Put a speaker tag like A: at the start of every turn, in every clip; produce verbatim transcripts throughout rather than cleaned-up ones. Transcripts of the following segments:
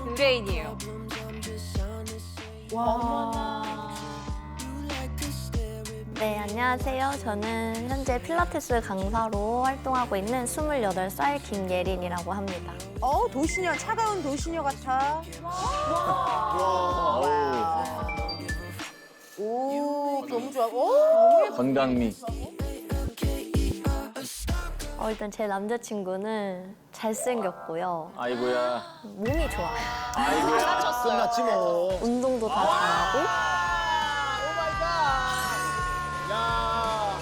A: 의뢰인이에요.
B: 와.
C: 네, 안녕하세요. 저는 현재 필라테스 강사로 활동하고 있는 스물여덟 살 김예린이라고 합니다.
A: 어, 도시녀, 차가운 도시녀 같아. 와. 오, 너무 좋아. 오!
D: 건강미.
C: 어, 일단 제 남자친구는 잘생겼고요.
D: 아이고야.
C: 몸이 좋아요.
D: 아이고야.
E: 끝났지 뭐.
C: 운동도 다 잘하고.
E: 야.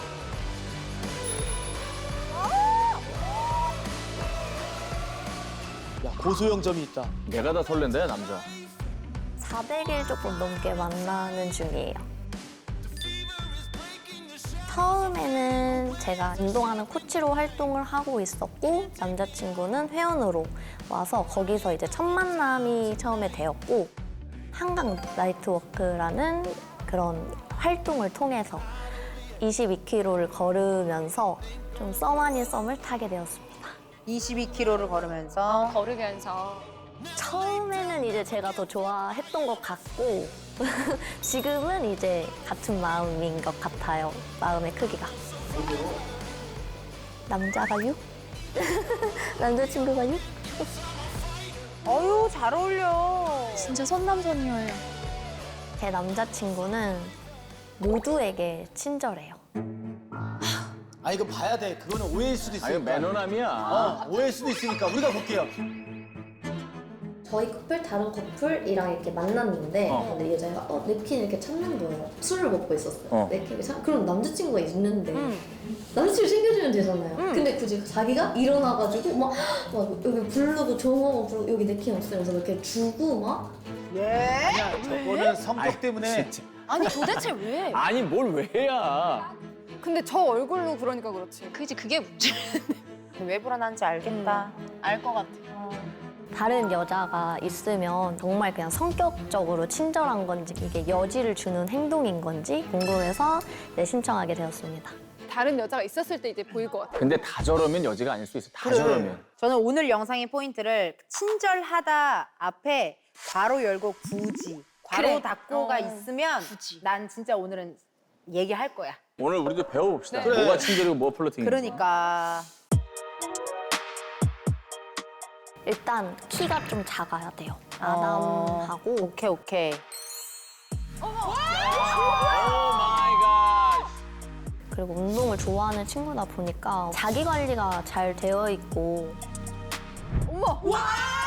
E: 야, 고소영점이 있다.
D: 내가 다 설렌다, 남자.
C: 사백 일 조금 넘게 만나는 중이에요. 처음에는 제가 운동하는 코치로 활동을 하고 있었고 남자친구는 회원으로 와서 거기서 이제 첫 만남이 처음에 되었고 한강 나이트워크라는 그런 활동을 통해서 이십이 킬로미터를 걸으면서 좀 썸 아닌 썸을 타게 되었습니다.
A: 이십이 킬로미터를 걸으면서.
B: 걸으면서.
C: 처음에는 이제 제가 더 좋아했던 것 같고 지금은 이제 같은 마음인 것 같아요. 마음의 크기가. 남자가 육? 남자친구가 육?
A: 어유, 잘 어울려.
B: 진짜 선남선녀예요.
C: 제 남자친구는 모두에게 친절해요.
E: 아, 이거 봐야 돼. 그거는 오해일 수도
D: 아,
E: 있으니까.
D: 이거 매너남이야.
E: 어, 오해일 수도 있으니까 우리가 볼게요.
C: 저희 커플 다른 커플이랑 이렇게 만났는데
D: 어.
C: 근데 여자가 어, 냅킨 이렇게 찾는 거예요. 술을 먹고 있었어요.
D: 어.
C: 냅킨 찾... 그럼 남자친구가 있는데 남자친구 챙겨주면 되잖아요. 근데 굳이 자기가 일어나가지고 막, 막 여기 부르고 저거 부르고 여기 냅킨 없으면서 이렇게 주고 막
A: 예?
E: 야, 저거는 성격 때문에.
D: 진짜.
B: 아니 도대체 왜?
D: 아니, 뭘 왜야.
B: 근데 저 얼굴로 그러니까 그렇지. 그지 그게 문제.
A: 왜 불안한지 알겠다.
B: 알 것 같아.
C: 다른 여자가 있으면 정말 그냥 성격적으로 친절한 건지 이게 여지를 주는 행동인 건지 궁금해서 네, 신청하게 되었습니다.
B: 다른 여자가 있었을 때 이제 보일 것 같아.
D: 근데 다 저러면 여지가 아닐 수 있어. 다
A: 그래.
D: 저러면.
A: 저는 오늘 영상의 포인트를 친절하다 앞에 괄호 열고 굳이 괄호
B: 그래.
A: 닫고가
B: 어.
A: 있으면 난 진짜 오늘은 얘기할 거야.
D: 오늘 우리도 배워봅시다.
E: 그래.
D: 뭐가 친절이고 뭐가 플러팅인지.
A: 그러니까.
C: 일단 키가 좀 작아야 돼요.
A: 어.
C: 아담하고
A: 오케이, 오케이.
D: 오 마이 갓.
C: 그리고 운동을 좋아하는 친구다 보니까 자기 관리가 잘 되어 있고
B: 어머. 와.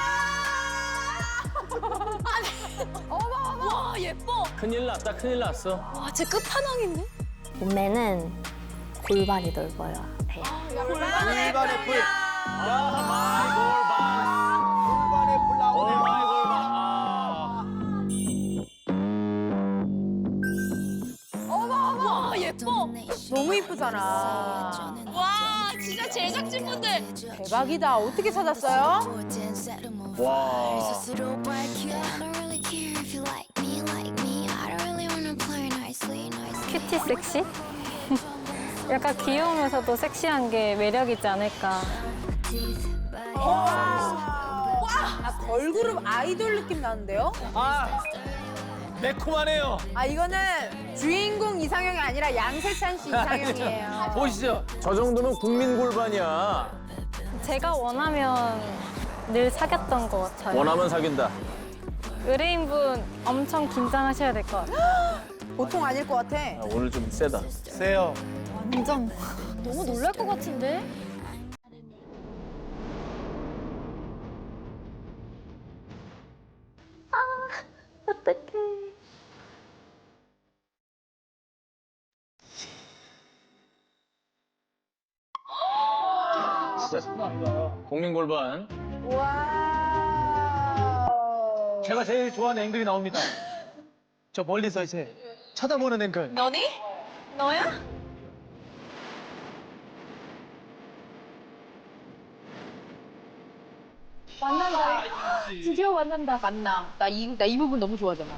B: 어머 어머. 와 예뻐.
D: 큰일 났다, 큰일 났어.
B: 와 제 끝판왕인데?
C: 몸매는 골반이 넓어야 해요.
E: 골반의 불.
D: 아, 마이 골반.
E: 골반의 불
D: 오
E: 나오네.
D: 마이 골반. 아.
B: 와 예뻐.
A: 너무 이쁘잖아.
B: 와 진짜 제작진분들.
A: 대박이다. 어떻게 찾았어요?
D: 와.
F: 큐티 섹시? 약간 귀여우면서도 섹시한 게 매력이지 않을까.
A: 아, 걸그룹 아이돌 느낌 나는데요?
E: 아, 매콤하네요.
A: 아, 이거는 주인공 이상형이 아니라 양세찬 씨 이상형이에요.
E: 보시죠.
D: 저 정도면 국민 골반이야.
F: 제가 원하면 늘 사귀었던 것 같아요.
D: 원하면 사귄다.
F: 의뢰인분 엄청 긴장하셔야 될 것 같아요.
A: 보통 아닐 것 같아.
D: 아, 오늘 좀 세다.
E: 세요.
F: 완전 너무 놀랄 것 같은데?
C: 어떡해.
D: 진짜 국민 골반.
A: 와.
E: 제가 제일 좋아하는 앵글이 나옵니다. 저 멀리서 이제 쳐다보는 앵글.
B: 너니? 너야?
F: 만난다. 드디어 만난다.
A: 만남. 나 이, 나 이 부분 너무 좋아하잖아.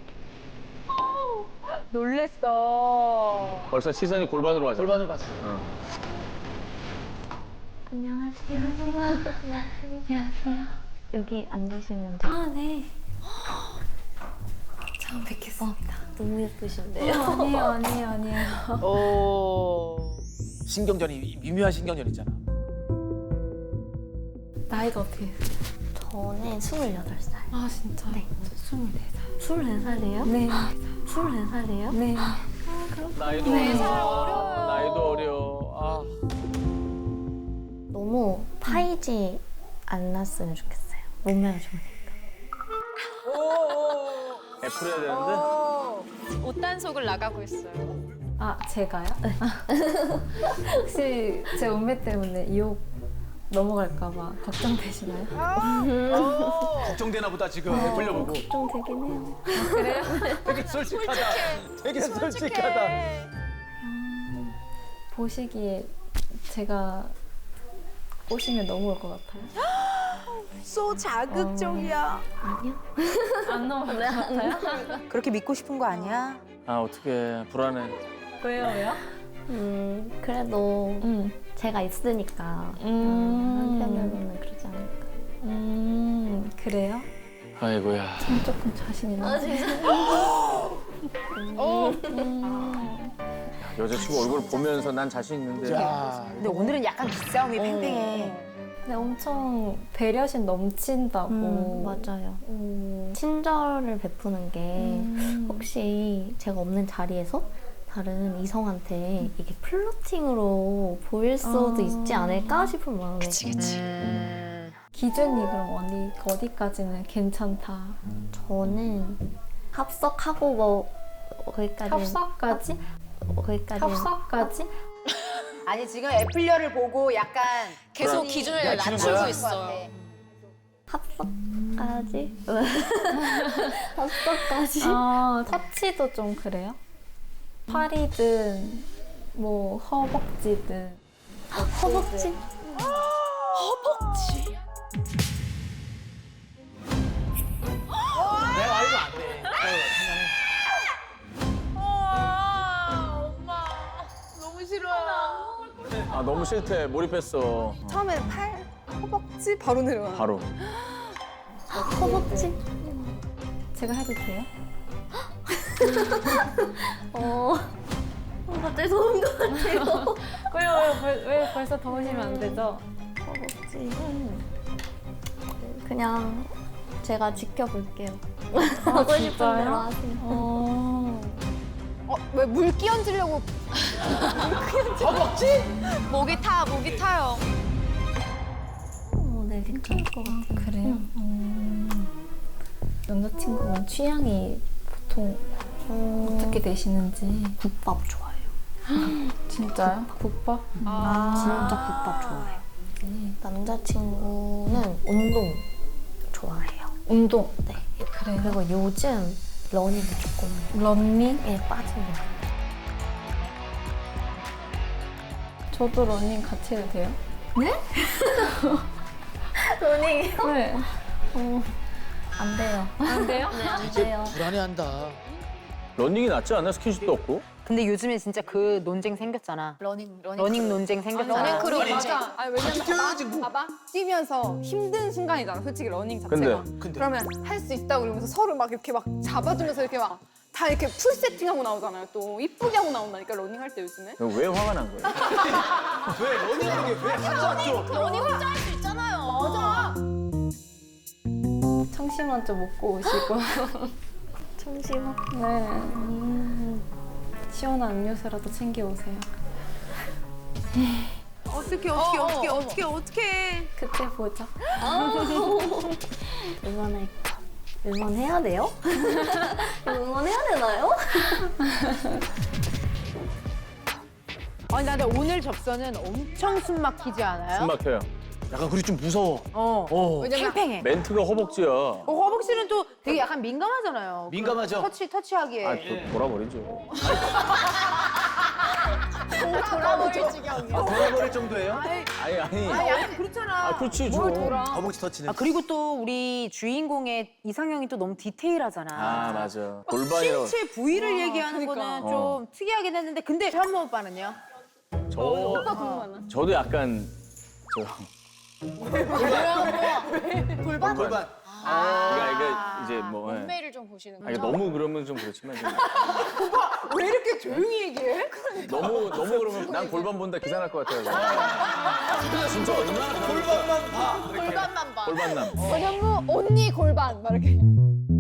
B: 놀랬어.
D: 벌써 시선이 골반으로 가잖아.
E: 골반을 봤어.
D: 어.
F: 안녕하세요. 안녕하세요.
C: 여기 앉으시면 돼요.
F: 아, 네. 처음 뵙겠습니다.
C: 너무 예쁘신데요?
F: 어, 아니에요, 아니에요, 아니에요.
E: 오. 신경전이 미묘한 신경전 있잖아.
F: 나이가 어떻게 되세요?
C: 저는 스물여덟 살.
F: 아, 진짜?
C: 네.
F: 저 스물네 살.
C: 스물네 살이에요?
F: 네.
C: 스물네 살이에요?
F: 네.
D: 나이도 어려워. 나이도 어려워. 아.
C: 너무 파이지 않았으면 좋겠어요. 몸매가 좋으니까.
D: 애플 해야 되는데?
B: 옷단속을 나가고 있어요.
F: 아, 제가요? 혹시 제 몸매 때문에 유혹 넘어갈까봐 걱정되시나요?
E: 걱정되나 보다 지금 돌려보고.
C: 좀 되긴 해요.
F: 그래요?
E: 되게 솔직하다. 되게 솔직하다.
F: 보시기에 제가 꼬시면 넘어올 것 같아요.
A: 소 자극적이야.
C: 아니요.
F: 안 넘어올 것 같아요?
A: 그렇게 믿고 싶은 거 아니야?
D: 아, 어떡해. 불안해.
F: 왜요, 왜요?
C: 음, 그래도
F: 음.
C: 제가 있으니까
F: 음.
C: 한편으로는 그러지 않을까.
F: 음, 그래요?
D: 아이고야.
F: 전 조금 자신 있는데.
C: 아, 진짜?
F: 음.
D: 여자친구 얼굴 보면서 난 자신 있는데.
E: 자,
A: 근데 오늘은 약간 기싸움이 팽팽해.
F: 근데 엄청 배려심 넘친다고.
C: 음, 맞아요.
F: 음.
C: 친절을 베푸는 게
F: 음.
C: 혹시 제가 없는 자리에서 다른 이성한테 이게 플러팅으로 보일 수도
F: 아.
C: 있지 않을까 싶은 마음에.
A: 음.
F: 기준이 그럼 어디, 어디까지는 괜찮다.
C: 저는 합석하고 뭐 거기까지.
F: 협석까지?
C: 거기까지.
F: 협석까지?
A: 아니 지금 애플려를 보고 약간
B: 계속
A: 그런-
B: 기준을
E: 야, 지금
B: 낮추고
E: 뭐야?
B: 있어요.
C: 합석까지? 합석까지?
F: 아, 터치도 좀 그래요? 팔이든 뭐 허벅지든
C: 허벅지?
B: 허벅지?
E: 내가 알면 안 돼.
B: 엄마 너무 싫어요.
D: 아, 너무 싫대. 몰입했어.
A: 처음에는 팔,
B: 허벅지 바로 내려가.
D: 바로.
C: 허벅지?
F: 제가 해도 돼요?
C: 어. 어, 갑자기 더운 것 같아요.
F: 왜요? 왜요? 벌- 왜 벌써 더우시면 안 되죠?
C: 허벅지. 그냥 제가 지켜볼게요. 하고 싶은
F: 진짜요?
C: 대로 하세요.
F: 어.
B: 어, 왜 물 끼얹으려고
E: 허벅지?
B: 목이 타, 목이 타요.
C: 어, 네, 괜찮을 것 같아요.
F: 그래요? 음. 남자친구분 취향이 보통
C: 음,
F: 어떻게 되시는지.
C: 국밥 좋아해요.
F: 진짜요? 국밥?
B: 아.
C: 진짜 국밥 좋아해요. 남자친구는 운동 좋아해요.
F: 운동.
C: 네.
F: 그래요?
C: 그리고 요즘 러닝을 조금
F: 러닝?
C: 예, 빠진 것 같아요.
F: 저도 러닝 같이 해도 돼요?
C: 러닝
F: 네.
C: 안 돼요.
F: 안 돼요?
C: 네, 안 돼요.
E: 불안해한다.
D: 런닝이 낫지 않나? 스킨십도 없고.
A: 근데 요즘에 진짜 그 논쟁 생겼잖아.
B: 러닝, 러닝.
A: 러닝 논쟁 생겼잖아.
B: 러닝 크루
E: 아니,
B: 맞아.
G: 아니 왜냐면
E: 뛰어야지, 뭐.
G: 봐봐 뛰면서 힘든 순간이잖아 솔직히 러닝 자체가
D: 근데,
E: 근데.
G: 그러면 할 수 있다고 그러면서 서로 막 이렇게 막 잡아주면서 이렇게 막 다 이렇게 풀 세팅하고 나오잖아요 또 이쁘게 하고 나온다니까 러닝 할 때 요즘에
D: 왜 화가 난 거야?
E: 왜 러닝하는 게 왜 하찮죠?
B: 러닝 혼자 할 수 있잖아요.
G: 맞아
F: 청심 먼저 먹고 오시고.
C: 잠시만.
F: 네. 시원한 음료수라도 챙겨 오세요.
A: 어떻게 어떻게 어떻게 어떻게 어떻게?
F: 그때 보자.
C: 응원할까? 응원해야 돼요? 응원해야 되나요?
A: 아니 나 근데 오늘 접선은 엄청 숨 막히지 않아요?
D: 숨 막혀요.
E: 약간 그리 좀 무서워.
A: 어.
E: 어.
G: 왜냐면
A: 팽팽해.
D: 멘트가 허벅지야.
A: 어, 허벅지는 또 되게 약간 민감하잖아요.
E: 민감하죠?
A: 터치 터치하기에.
D: 아, 또 돌아버리죠.
G: 돌아버릴 지경이야
E: 아, 돌아버릴 정도예요?
D: 아니, 아니.
A: 아 약간 그렇잖아.
D: 아, 그렇지, 좀.
A: 뭘 돌아?
E: 허벅지 터치는.
A: 아 그리고 또 우리 주인공의 이상형이 또 너무 디테일하잖아.
D: 아, 맞아. 골반이라고.
A: 신체 부위를 얘기하는
G: 그러니까.
A: 거는
D: 어.
A: 좀 특이하긴 했는데 근데 현모 오빠는요?
D: 저, 저도 약간, 저,
B: 골반?
D: 골반.
B: 아.
D: 그러니까 이게 이제 뭐. 예.
B: 몸매를 좀 보시는
D: 아, 이게
B: 거죠?
D: 너무 그러면 좀 그렇지만 좀
G: 왜 이렇게 조용히 얘기해?
D: 너무 너무 그러면 난 골반 본다 기사 날 것 같아요. 진짜 얼마나 골반만 봐.
B: 골반만 봐.
D: 골반남.
G: 전현무 언니 골반 막 이렇게.